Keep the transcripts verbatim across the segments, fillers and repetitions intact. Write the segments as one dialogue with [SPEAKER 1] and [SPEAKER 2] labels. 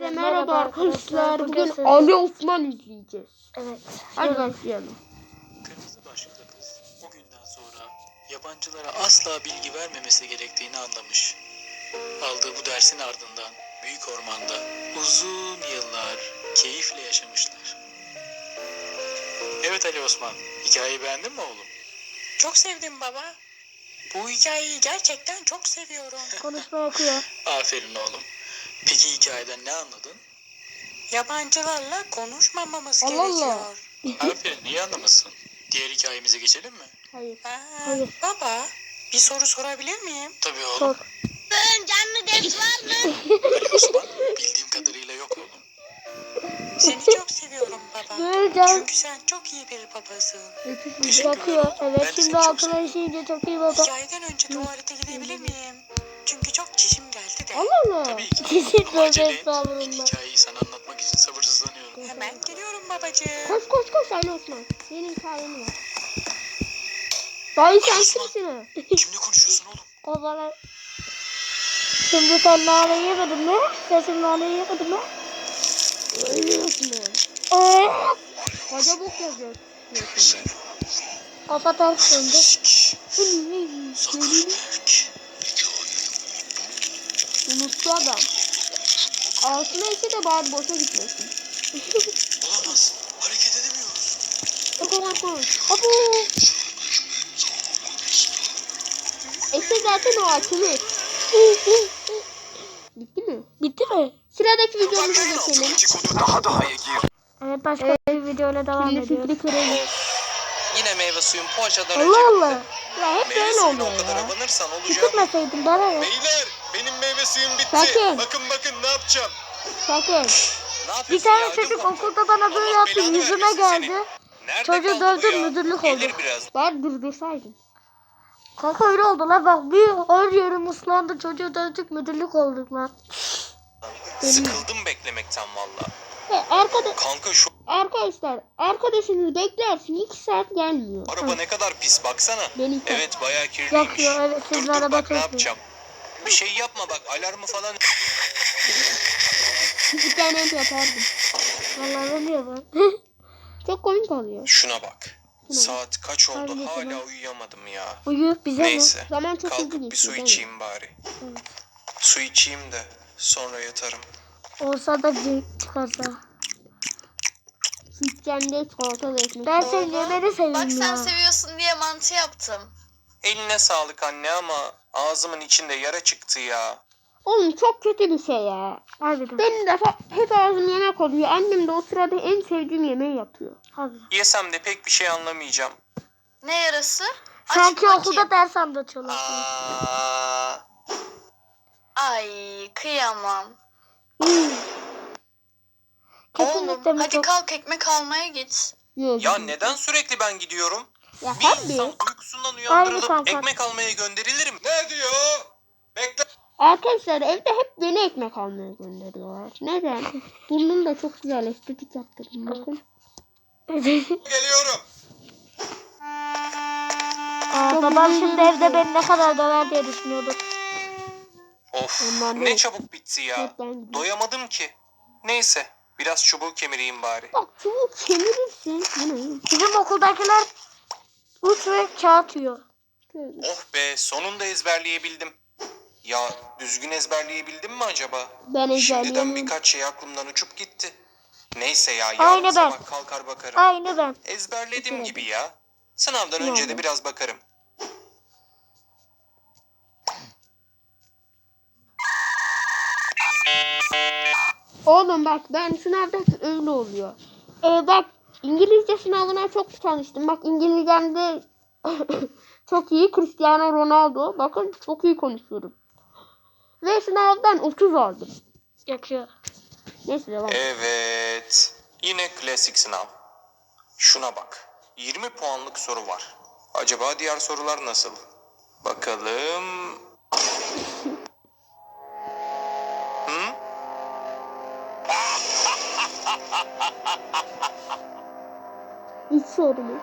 [SPEAKER 1] Herkese merhaba arkadaşlar. Bugün Ali Osman izleyeceğiz.
[SPEAKER 2] Evet.
[SPEAKER 1] Hadi başlayalım.
[SPEAKER 3] Kırmızı başlıklı kız o günden sonra yabancılara asla bilgi vermemesi gerektiğini anlamış. Aldığı bu dersin ardından büyük ormanda uzun yıllar keyifle yaşamışlar. Evet Ali Osman, hikayeyi beğendin mi oğlum?
[SPEAKER 4] Çok sevdim baba. Bu hikayeyi gerçekten çok seviyorum.
[SPEAKER 2] Konuşma okuyor.
[SPEAKER 3] Aferin oğlum. Peki hikayeden ne anladın?
[SPEAKER 4] Yabancılarla konuşmamamız
[SPEAKER 1] Allah Allah.
[SPEAKER 4] gerekiyor.
[SPEAKER 3] Aferin, niye anlamasın? Diğer hikayemize geçelim mi?
[SPEAKER 1] Hayır.
[SPEAKER 4] Aa,
[SPEAKER 2] Hayır.
[SPEAKER 4] Baba, bir soru sorabilir miyim?
[SPEAKER 3] Tabii oğlum.
[SPEAKER 2] Sor.
[SPEAKER 4] Canlı ders var mı?
[SPEAKER 3] Ali Osman, bildiğim kadarıyla yok oğlum.
[SPEAKER 4] Seni çok seviyorum baba.
[SPEAKER 2] Böyle
[SPEAKER 4] Çünkü sen çok iyi bir babasın.
[SPEAKER 3] Teşekkür
[SPEAKER 2] bakıyor.
[SPEAKER 3] ederim. Ben
[SPEAKER 2] Evet
[SPEAKER 3] de
[SPEAKER 2] şimdi
[SPEAKER 3] seni çok
[SPEAKER 2] altına işeyince çok iyi baba.
[SPEAKER 4] Hikayeden önce tuvalete gidebilir miyim? Çünkü çok çişim geldi de.
[SPEAKER 1] Allah Allah.
[SPEAKER 3] Tabii ki.
[SPEAKER 2] Kesin
[SPEAKER 3] Ama acele
[SPEAKER 2] böyle
[SPEAKER 3] et.
[SPEAKER 2] estağfurullah.
[SPEAKER 3] İlk hikayeyi sana anlatmak için sabırsızlanıyorum.
[SPEAKER 4] Hemen geliyorum babacığım.
[SPEAKER 1] Koş koş koş Ali Osman. Senin hikayen var. Dayı sen
[SPEAKER 3] Osman.
[SPEAKER 1] kimsin ha?
[SPEAKER 3] Kimle konuşuyorsun oğlum?
[SPEAKER 2] O zaman. Şimdi sen nane yemedin mi? Sen şimdi nane yemedin mi?
[SPEAKER 1] Ali Osman.
[SPEAKER 2] Eee.
[SPEAKER 1] Koca bok yazıyor.
[SPEAKER 2] Kafa ters döndü.
[SPEAKER 3] Zuckerberg.
[SPEAKER 1] Unuttu adam. Altına ise de bari boşa gitmesin.
[SPEAKER 3] Olamaz. Hareket edemiyoruz.
[SPEAKER 1] Koş koş. Abu. Ese zaten o açılır. Bitti mi?
[SPEAKER 2] Bitti mi?
[SPEAKER 1] Sıradaki videomuza geçelim.
[SPEAKER 3] Daha daha gir.
[SPEAKER 2] Evet başka bir videoyla devam
[SPEAKER 1] Şimdi
[SPEAKER 2] ediyoruz.
[SPEAKER 1] fikri kırılır.
[SPEAKER 5] Yine meyve suyun poğaçadan
[SPEAKER 2] Allah Allah.
[SPEAKER 1] Ya hep
[SPEAKER 5] Meyve
[SPEAKER 1] böyle
[SPEAKER 5] suyuna
[SPEAKER 1] oluyor
[SPEAKER 5] o kadar
[SPEAKER 1] ya.
[SPEAKER 5] abanırsan olacak.
[SPEAKER 2] Tükürmeseydin bana ne?
[SPEAKER 5] Beyler benim meyve suyum bitti.
[SPEAKER 1] Sakın.
[SPEAKER 5] Bakın bakın ne yapacağım.
[SPEAKER 1] Sakın.
[SPEAKER 5] Ne
[SPEAKER 2] Bir
[SPEAKER 5] yapıyorsun
[SPEAKER 2] tane
[SPEAKER 5] ya?
[SPEAKER 2] çocuk
[SPEAKER 5] Ödüm
[SPEAKER 2] okulda bana böyle
[SPEAKER 5] Allah
[SPEAKER 2] yaptı.
[SPEAKER 5] belanı
[SPEAKER 2] Yüzüme
[SPEAKER 5] vermesin
[SPEAKER 2] geldi.
[SPEAKER 5] seni. Nerede
[SPEAKER 2] Çocuğu
[SPEAKER 5] kaldı bu
[SPEAKER 2] dövdüm,
[SPEAKER 5] ya?
[SPEAKER 2] müdürlük
[SPEAKER 5] Gelir
[SPEAKER 2] oldu.
[SPEAKER 5] biraz.
[SPEAKER 1] Bari durdursaydın.
[SPEAKER 2] Kanka öyle oldu lan bak bir her yerim ıslandı. Çocuğu dövdük müdürlük olduk lan.
[SPEAKER 5] Sıkıldım beklemekten valla.
[SPEAKER 1] Ve arkada,
[SPEAKER 5] Kanka şu
[SPEAKER 1] arkadaşlar arkadaşınız beklersin iki saat gelmiyor.
[SPEAKER 5] araba ne kadar pis baksana.
[SPEAKER 1] Beni
[SPEAKER 5] Evet bayağı kirliymiş.
[SPEAKER 2] Yakıyor evet
[SPEAKER 5] Dur
[SPEAKER 2] sizin
[SPEAKER 5] dur
[SPEAKER 2] araba
[SPEAKER 5] bak
[SPEAKER 2] çok
[SPEAKER 5] ne
[SPEAKER 2] iyi.
[SPEAKER 5] yapacağım. Bir şey yapma bak alarmı falan.
[SPEAKER 1] küçükken hep yapardım.
[SPEAKER 2] Vallahi ben diyor ben.
[SPEAKER 1] Çok komik oluyor.
[SPEAKER 5] Şuna bak. Saat kaç oldu
[SPEAKER 2] Hangisi
[SPEAKER 5] hala
[SPEAKER 2] lan?
[SPEAKER 5] uyuyamadım ya.
[SPEAKER 2] Uyu bize
[SPEAKER 5] Neyse.
[SPEAKER 1] Zaman çok hızlı
[SPEAKER 5] Kalkıp bir
[SPEAKER 1] geçiyor,
[SPEAKER 5] su
[SPEAKER 1] değil mi?
[SPEAKER 5] içeyim bari. Su içeyim de sonra yatarım.
[SPEAKER 2] mi? Olsa da cin çıkarsa.
[SPEAKER 1] Küçükken de çikolata da ekmek.
[SPEAKER 2] Ben seni yemeni
[SPEAKER 6] Bak
[SPEAKER 2] seveyim
[SPEAKER 6] sen
[SPEAKER 2] ya.
[SPEAKER 6] seviyorsun diye mantı yaptım.
[SPEAKER 5] Eline sağlık anne ama ağzımın içinde yara çıktı ya.
[SPEAKER 1] Oğlum çok kötü bir şey ya.
[SPEAKER 2] Harbiden.
[SPEAKER 1] Benim de fa- hep ağzım yemek oluyor. Annem de o sırada en sevdiğim yemeği yapıyor.
[SPEAKER 2] Harbiden.
[SPEAKER 5] Yesem de pek bir şey anlamayacağım.
[SPEAKER 6] Ne yarası? Aç
[SPEAKER 2] Sanki
[SPEAKER 6] bakayım.
[SPEAKER 2] okulda ders anlatıyorlar.
[SPEAKER 5] Aa,
[SPEAKER 6] Ay kıyamam.
[SPEAKER 2] Kesinlikle
[SPEAKER 6] Oğlum
[SPEAKER 2] mi
[SPEAKER 6] hadi
[SPEAKER 2] çok...
[SPEAKER 6] kalk ekmek almaya git.
[SPEAKER 1] Yok.
[SPEAKER 5] ya neden sürekli ben gidiyorum?
[SPEAKER 1] Ya
[SPEAKER 5] Bir
[SPEAKER 1] tabii.
[SPEAKER 5] insan uykusundan
[SPEAKER 2] Aynı
[SPEAKER 5] uyandırılıp
[SPEAKER 2] kanka.
[SPEAKER 5] ekmek almaya gönderilir mi? Ne diyor? Bekle.
[SPEAKER 1] Arkadaşlar evde hep beni ekmek almaya gönderiyorlar. Neden? Burnum da çok güzel estetik yaptırdım bakın.
[SPEAKER 5] Geliyorum.
[SPEAKER 2] Aa, babam şimdi evde beni ne kadar döver diye düşünüyordu.
[SPEAKER 5] Of
[SPEAKER 1] Ondan
[SPEAKER 5] ne
[SPEAKER 1] değil.
[SPEAKER 5] çabuk bitti ya.
[SPEAKER 1] Hep ben gidiyorum.
[SPEAKER 5] Doyamadım ki. Neyse biraz çubuğu kemireyim bari.
[SPEAKER 1] Bak çubuk kemirirsin. Bu ne?
[SPEAKER 2] Bizim okuldakiler uç ve kağıt yiyor.
[SPEAKER 1] Şöyle.
[SPEAKER 5] Oh be sonunda ezberleyebildim. Ya düzgün ezberleyebildim mi acaba?
[SPEAKER 1] Ben
[SPEAKER 5] Şimdiden
[SPEAKER 1] ezberleyemiyorum.
[SPEAKER 5] birkaç şey aklımdan uçup gitti. Neyse ya yarın
[SPEAKER 2] Aynı ben.
[SPEAKER 5] sabah kalkar bakarım.
[SPEAKER 2] Aynı ben.
[SPEAKER 5] Ezberlediğim gibi ya. Sınavdan önce
[SPEAKER 1] Yani.
[SPEAKER 5] de biraz bakarım.
[SPEAKER 1] Oğlum bak ben sınavda öyle oluyor. Ee, bak İngilizce sınavına çok çalıştım. Bak İngilizcemde çok iyi. Cristiano Ronaldo. Bakın çok iyi konuşuyorum. Ve sınavdan otuz aldım.
[SPEAKER 2] Yakıyor.
[SPEAKER 1] Neyse devam.
[SPEAKER 5] Evet. Yine klasik sınav. Şuna bak. yirmi puanlık soru var. Acaba diğer sorular nasıl? Bakalım. Hı?
[SPEAKER 1] Hiç soru mu?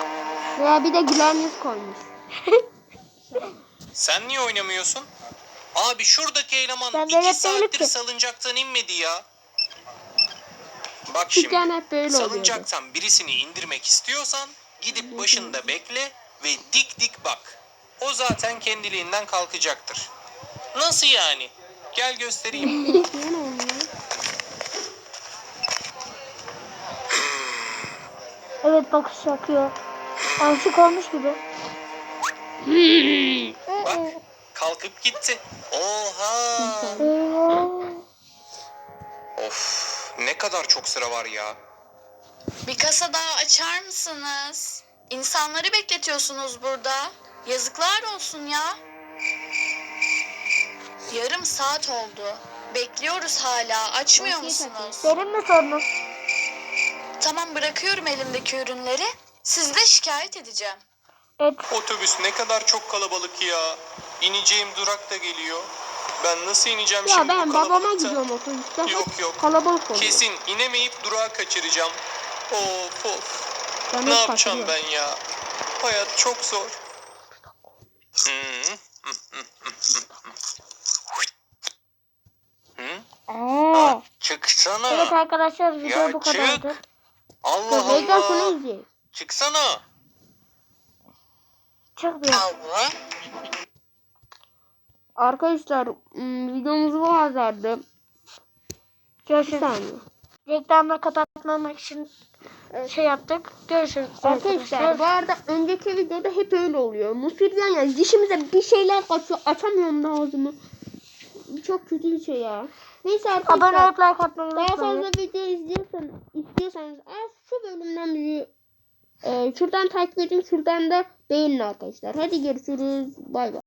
[SPEAKER 1] Veya bir de gülen yüz koymuş.
[SPEAKER 5] Sen niye oynamıyorsun? Abi şuradaki eleman
[SPEAKER 2] Ben
[SPEAKER 5] iki
[SPEAKER 2] velet değilim
[SPEAKER 5] saattir
[SPEAKER 2] ki.
[SPEAKER 5] salıncaktan inmedi ya. Bak
[SPEAKER 1] Küçükken
[SPEAKER 5] şimdi
[SPEAKER 1] hep böyle oluyordu.
[SPEAKER 5] salıncaktan birisini indirmek istiyorsan gidip başında bekle ve dik dik bak. O zaten kendiliğinden kalkacaktır. Nasıl yani? Gel göstereyim.
[SPEAKER 1] Yine olmuyor.
[SPEAKER 2] Evet bakış yakıyor. Aşık olmuş gibi.
[SPEAKER 5] Bak kalkıp gitti. Oha!
[SPEAKER 2] Eyvah.
[SPEAKER 5] Of ne kadar çok sıra var ya.
[SPEAKER 6] Bir kasa daha açar mısınız? İnsanları bekletiyorsunuz burada. Yazıklar olsun ya. Yarım saat oldu. Bekliyoruz hala. Açmıyor musunuz?
[SPEAKER 2] Benim mi sorunum?
[SPEAKER 6] Tamam, bırakıyorum elimdeki ürünleri. Sizi de şikayet edeceğim.
[SPEAKER 2] Et.
[SPEAKER 5] Otobüs ne kadar çok kalabalık ya. İneceğim durak da geliyor. Ben nasıl ineceğim
[SPEAKER 1] Ya
[SPEAKER 5] şimdi
[SPEAKER 1] ben
[SPEAKER 5] bu
[SPEAKER 1] babama
[SPEAKER 5] kalabalıkta?
[SPEAKER 1] gidiyorum otobüste.
[SPEAKER 5] Yok, yok.
[SPEAKER 1] Kalabalık oluyor.
[SPEAKER 5] Kesin inemeyip durağı kaçıracağım. Of of.
[SPEAKER 1] Ben
[SPEAKER 5] Ne
[SPEAKER 1] hep
[SPEAKER 5] yapacağım
[SPEAKER 1] kaçırıyorum.
[SPEAKER 5] ben ya? Hayat çok zor. Hı? Hı?
[SPEAKER 1] Aa,
[SPEAKER 5] Çıksana.
[SPEAKER 2] Evet arkadaşlar video
[SPEAKER 5] Ya
[SPEAKER 2] bu
[SPEAKER 5] çık.
[SPEAKER 2] kadardı.
[SPEAKER 5] Allah
[SPEAKER 1] Mega şunu
[SPEAKER 5] Allah.
[SPEAKER 1] izleyelim.
[SPEAKER 5] Çıksana.
[SPEAKER 2] Çık bir.
[SPEAKER 6] Allah.
[SPEAKER 1] Arkadaşlar ım, videomuz bu kadardı. Bir
[SPEAKER 2] Görüşürüz.
[SPEAKER 1] saniye.
[SPEAKER 2] Reklamla kapatmamak için e, şey yaptık. Görüşürüz
[SPEAKER 1] Arkadaşlar bu arada önceki videoda hep öyle oluyor. Musirden yani dişimize bir şeyler kaçıyor. Açamıyorum da ağzımı. Çok kötü bir şey ya. Neyse
[SPEAKER 2] Abone
[SPEAKER 1] arkadaşlar.
[SPEAKER 2] olup like atmayı
[SPEAKER 1] Daha
[SPEAKER 2] unutmayın.
[SPEAKER 1] fazla video izliyorsanız, istiyorsanız az şu bölümden bir e, şuradan takip edin, şuradan da beğenin arkadaşlar. Hadi görüşürüz. Bay bay.